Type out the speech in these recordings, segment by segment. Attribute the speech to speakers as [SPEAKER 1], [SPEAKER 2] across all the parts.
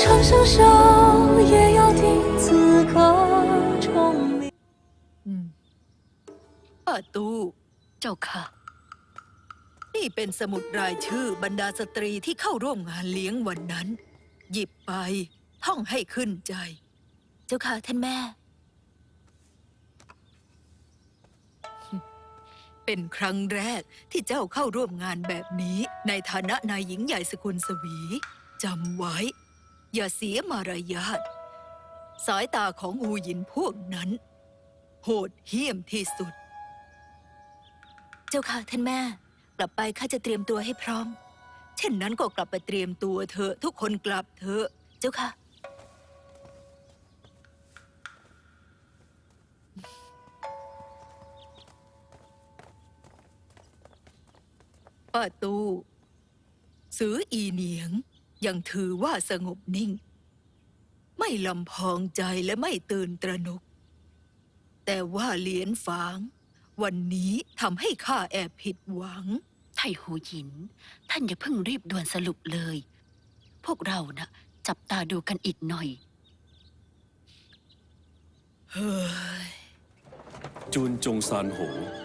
[SPEAKER 1] 长相守，也要听此刻钟鸣。
[SPEAKER 2] ป้าตู
[SPEAKER 3] เจ้าค่ะ
[SPEAKER 2] นี่เป็นสมุดรายชื่อบรรดาสตรีที่เข้าร่วมงานเลี้ยงวันนั้น หยิบไปท่องให้ขึ้นใจ
[SPEAKER 3] เจ้าค่ะท่านแม่
[SPEAKER 2] เป็นครั้งแรกที่เจ้าเข้าร่วมงานแบบนี้ในฐานะนายหญิงใหญ่สกุลสวีจำไว้ อย่าเสียมารยาทสายตาของอูหยินพวกนั้น โหดเหี้ยมที่สุด
[SPEAKER 3] เจ้าค่ะท่านแม่ กลับไปข้าจะเตรียมตัวให้พร้อม
[SPEAKER 2] เช่นนั้นก็กลับไปเตรียมตัวเถอะทุกคนกลับเถอะ
[SPEAKER 3] เจ้าค่ะ
[SPEAKER 2] ป้าตูสืออีเหนียงยังถือว่าสงบนิ่ง ไม่ลำพองใจและไม่ตื่นตระหนก แต่ว่าเหลียนฝาง วันนี้ทำให้ข้าแอบผิดหวัง
[SPEAKER 3] ไทหูหยิน ท่านอย่าเพิ่งรีบด่วนสรุปเลย พวกเรานะจับตาดูกันอีกหน่อย
[SPEAKER 2] เฮ้ย
[SPEAKER 4] จุนจงซานโห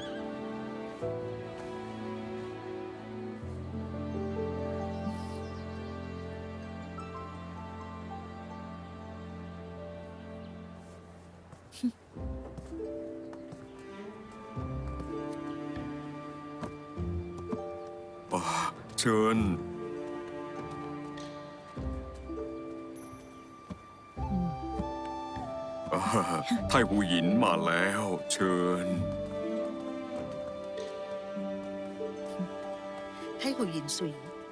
[SPEAKER 5] เชิญไทหูหยินมาแล้ว เชิญ
[SPEAKER 2] ให้หูหยินสุย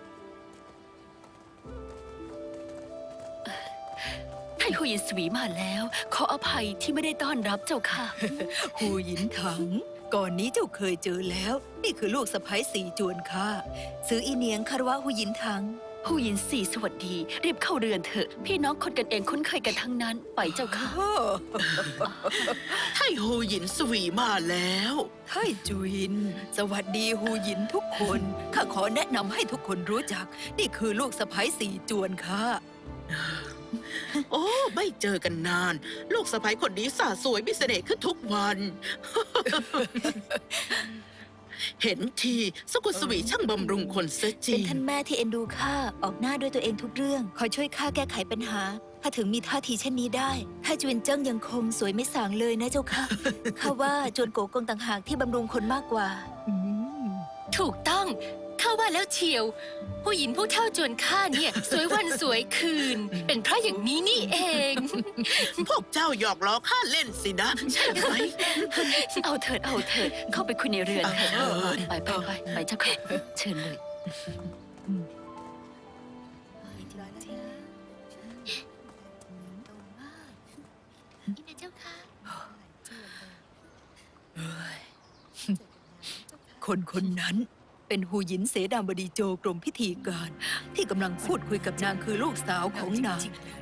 [SPEAKER 3] ไทหูหยินสวีมาแล้ว ขออภัยที่ไม่ได้ต้อนรับเจ้าค่ะ
[SPEAKER 2] หูหยินถัง ก่อนนี้เจ้าเคยเจอแล้ว นี่คือลูกสะใภ้สีจวนข้าสืออีเหนียงคารวะหูหยินถัง
[SPEAKER 3] หูหยินสี่สวัสดี รีบเข้าเรือนเถอะ พี่น้องคนกันเองคุ้นเคยกันทั้งนั้น ไปเจ้าค่ะ
[SPEAKER 6] ไทหูหยินสวีมาแล้ว
[SPEAKER 2] ไทจุวิน สวัสดีหูหยินทุกคน ข้าขอแนะนำให้ทุกคนรู้จัก นี่คือลูกสะใภ้สีจวนข้า
[SPEAKER 6] โอ้ ไม่เจอกันนาน ลูกสะใภ้คนนี้สาสวยมีเสน่ห์ขึ้นทุกวัน เห็นทีสกุลสวีช่างบำรุงคนเสียจริ
[SPEAKER 3] เป็น
[SPEAKER 6] ง
[SPEAKER 3] ท่านแม่ที่เอ็นดูข้าออกหน้าด้วยตัวเองทุกเรื่อง คอยช่วยข้าแก้ไขปัญหา ถ้าถึงมีท่าทีเช่นนี้ได้ถ้าจวนเจิ้งยังคงสวยไม่สางเลยนะเจ้าค่ะ ข้าว่าจวนโกกงต่างหากที่บำรุงคนมากกว่า
[SPEAKER 7] ถูกต้องข้าว่าแล้วเชียว ผู้หญิงผู้เท่าจวนข้าเนี่ย สวยวันสวยคืน เป็นเพราะอย่างนี้นี่เอง
[SPEAKER 6] พวกเจ้าหยอกล้อข้าเล่นสินะ ใช่ไหม
[SPEAKER 3] เอาเถิดเอาเถิดเข้าไปคุยในเรือนเถิด
[SPEAKER 6] เออ
[SPEAKER 3] ไปเจ้าค่ะเชิญเลย
[SPEAKER 7] นี่นะเจ้าค่ะ
[SPEAKER 2] คนคนนั้นเป็นหูหยินเสดามบดีโจกรมพิธีการ ที่กำลังพูดคุยกับนางคือลูกสาวของนาง